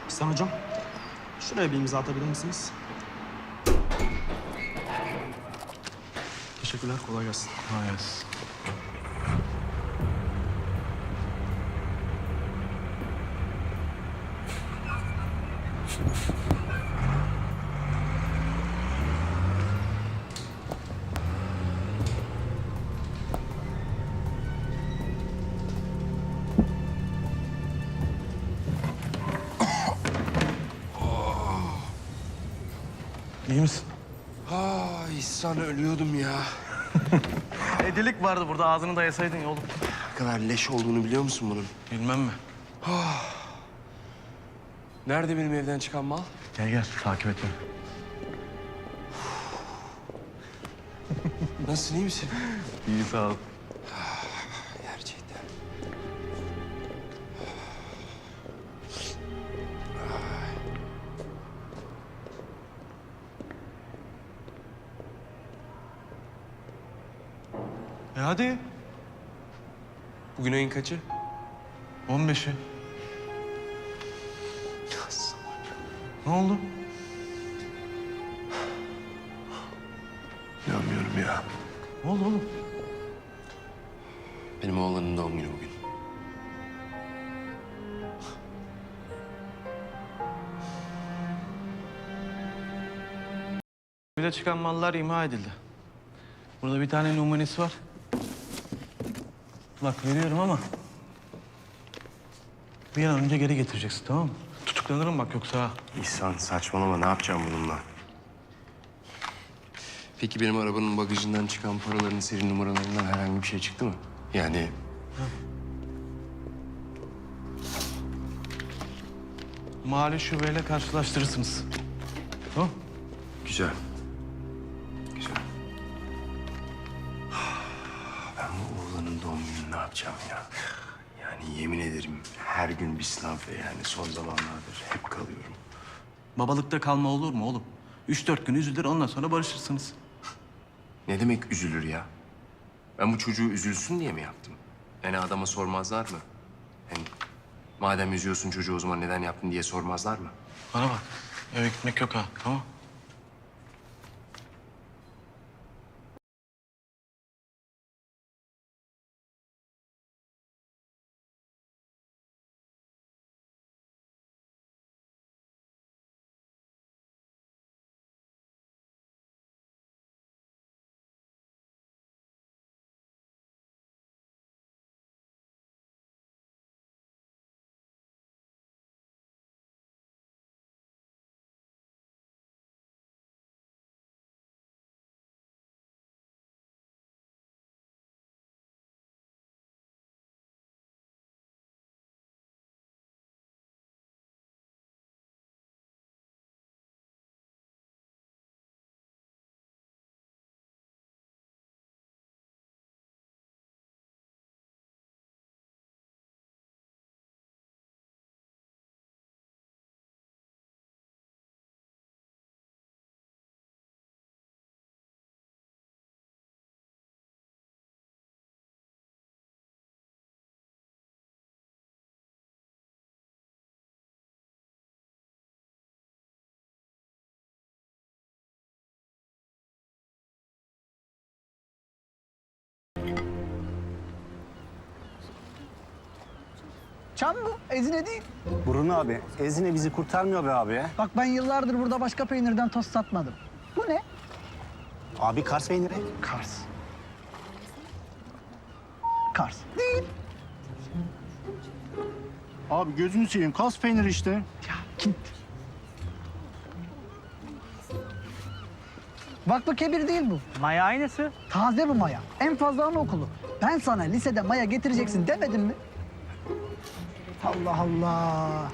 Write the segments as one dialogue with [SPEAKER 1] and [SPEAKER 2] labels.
[SPEAKER 1] İhsan hocam, şuraya bir imza atabilir misiniz? Teşekkürler, kolay gelsin.
[SPEAKER 2] Kolay gelsin. İyi misin?
[SPEAKER 3] İhsan ölüyordum ya.
[SPEAKER 2] Delik vardı burada, ağzını dayasaydın ya oğlum.
[SPEAKER 3] Ne kadar leş olduğunu biliyor musun bunun?
[SPEAKER 2] Bilmem mi?
[SPEAKER 3] Nerede benim evden çıkan mal?
[SPEAKER 2] Gel gel, takip et beni.
[SPEAKER 3] Nasılsın, iyi misin?
[SPEAKER 2] İyi, sağ ol.
[SPEAKER 3] Gerçekten.
[SPEAKER 2] Hadi.
[SPEAKER 3] Bugün ayın kaçı?
[SPEAKER 2] 15'i. Ne oldu?
[SPEAKER 3] İnanmıyorum ya.
[SPEAKER 2] Ne oldu oğlum?
[SPEAKER 3] Benim oğlanın doğum günü bugün.
[SPEAKER 2] Bir de çıkan mallar imha edildi. Burada bir tane numunesi var. Bak veriyorum ama... bir an önce geri getireceksin, tamam mı? Tutuklanırım bak yoksa ha.
[SPEAKER 3] İhsan saçmalama, ne yapacağım bununla? Peki benim arabanın bagajından çıkan paraların seri numaralarından herhangi bir şey çıktı mı? Yani
[SPEAKER 2] Mali şubeyle karşılaştırırsınız. Tamam.
[SPEAKER 3] güzel. Güzel. Ben bu oğlanın doğum gününü ne yapacağım ya? Yani yemin ederim her gün bir sınav ve yani son zamanlardır hep kalıyorum.
[SPEAKER 2] Babalıkta kalma olur mu oğlum? 3-4 gün üzülür, ondan sonra barışırsınız.
[SPEAKER 3] Ne demek üzülür ya? Ben bu çocuğu üzülsün diye mi yaptım? Yani adama sormazlar mı? Hem madem üzüyorsun çocuğu o zaman neden yaptın diye sormazlar mı?
[SPEAKER 2] Bana bak, eve gitmek yok ha, tamam?
[SPEAKER 4] Çam bu, ezine değil.
[SPEAKER 5] Burun abi, Ezine bizi kurtarmıyor be abi ya.
[SPEAKER 4] Bak ben yıllardır burada başka peynirden tost satmadım. Bu ne?
[SPEAKER 5] Abi Kars peyniri.
[SPEAKER 4] Kars. Kars. Değil.
[SPEAKER 5] Abi gözünü seveyim, Kars peyniri işte.
[SPEAKER 4] Ya git. Vakfı Kebir değil bu.
[SPEAKER 6] Maya aynısı.
[SPEAKER 4] Taze bu maya. En fazla anaokulu. Ben sana lisede maya getireceksin demedim mi? Allah Allah.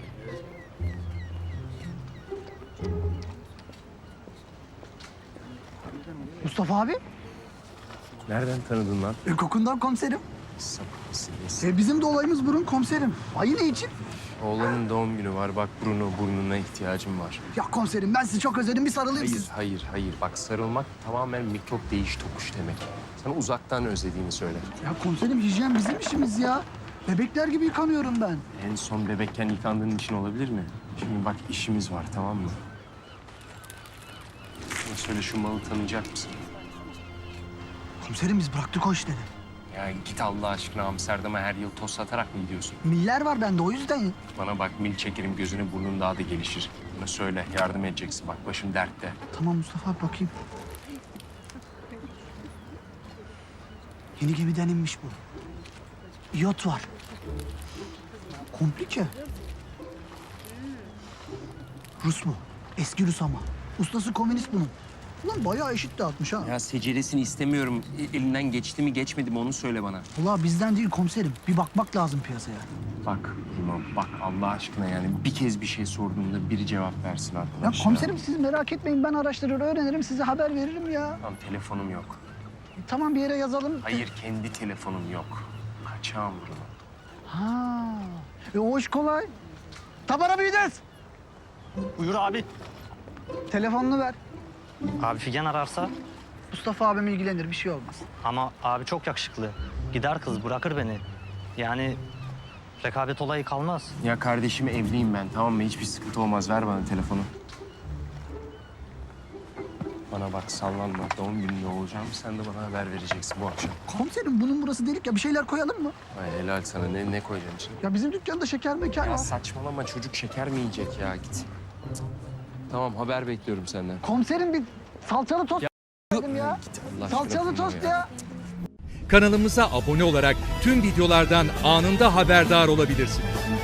[SPEAKER 4] Mustafa abi,
[SPEAKER 3] Nereden tanıdın lan?
[SPEAKER 4] kokundan komiserim.
[SPEAKER 3] Sapık mısın nesin?
[SPEAKER 4] Bizim de olayımız burun komiserim. Ayı ne için?
[SPEAKER 3] Oğlanın doğum günü var. Bak burnuna ihtiyacım var.
[SPEAKER 4] Ya komiserim ben sizi çok özledim. Bir sarılayım
[SPEAKER 3] Hayır,
[SPEAKER 4] siz.
[SPEAKER 3] hayır. Bak sarılmak tamamen mikrop değiş tokuş demek. Sana uzaktan özlediğini söyle.
[SPEAKER 4] Ya komiserim hijyen bizim işimiz ya. Bebekler gibi yıkanıyorum ben.
[SPEAKER 3] En son bebekken yıkandığın için olabilir mi? Şimdi bak işimiz var, tamam mı? Bana söyle, şu malı tanıyacak mısın?
[SPEAKER 4] Komiserim biz bıraktık o işleri.
[SPEAKER 3] Ya git Allah aşkına, Amsterdam'a her yıl toz satarak mı gidiyorsun?
[SPEAKER 4] Miller var bende o yüzden.
[SPEAKER 3] Bana bak, mil çekerim, gözüne burnun daha da gelişir. Bana söyle, yardım edeceksin. Bak başım dertte.
[SPEAKER 4] Tamam Mustafa abi bakayım. Yeni gemiden inmiş bu. İyot var. Komplike. Rus mu? Eski Rus ama. Ustası komünist bunun. Ulan bayağı eşit dağıtmış ha.
[SPEAKER 3] Ya seceresini istemiyorum. Elinden geçti mi geçmedi mi onu söyle bana.
[SPEAKER 4] Ulan bizden değil komiserim. Bir bakmak lazım piyasaya.
[SPEAKER 3] Bak İmam, bak Allah aşkına yani bir kez bir şey sorduğumda biri cevap versin
[SPEAKER 4] Ya
[SPEAKER 3] arkadaş.
[SPEAKER 4] komiserim siz merak etmeyin. Ben araştırır öğrenirim. Size haber veririm ya.
[SPEAKER 3] Tamam, telefonum yok.
[SPEAKER 4] Tamam bir yere yazalım.
[SPEAKER 3] Hayır, kendi telefonum yok. Kaçağım bunu.
[SPEAKER 4] Ha. O iş kolay. Tabara büyüdüz.
[SPEAKER 5] Buyur abi.
[SPEAKER 4] Telefonunu ver.
[SPEAKER 6] Abi Figen ararsa
[SPEAKER 4] Mustafa abim ilgilenir. Bir şey olmaz.
[SPEAKER 6] ama abi çok yakışıklı. Gider kız bırakır beni. Yani rekabet olayı kalmaz.
[SPEAKER 3] Ya kardeşim, evliyim ben, tamam mı? Hiçbir sıkıntı olmaz. Ver bana telefonu. Bana bak, sallanma. Doğum gününde olacağım. Sen de bana haber vereceksin bu akşam.
[SPEAKER 4] Komiserim bunun burası delik ya. Bir şeyler koyalım mı?
[SPEAKER 3] Ay helal sana. Ne koyacaksın içine?
[SPEAKER 4] Ya bizim dükkanda şeker mekan
[SPEAKER 3] Ya
[SPEAKER 4] var.
[SPEAKER 3] saçmalama, çocuk şeker mi yiyecek ya? Git. Tamam, haber bekliyorum senden.
[SPEAKER 4] Komiserim bir salçalı tost dedim ya.
[SPEAKER 3] Git Allah aşkına,
[SPEAKER 4] Salçalı
[SPEAKER 3] kurban
[SPEAKER 4] tost ya.
[SPEAKER 7] Kanalımıza abone olarak tüm videolardan anında haberdar olabilirsiniz.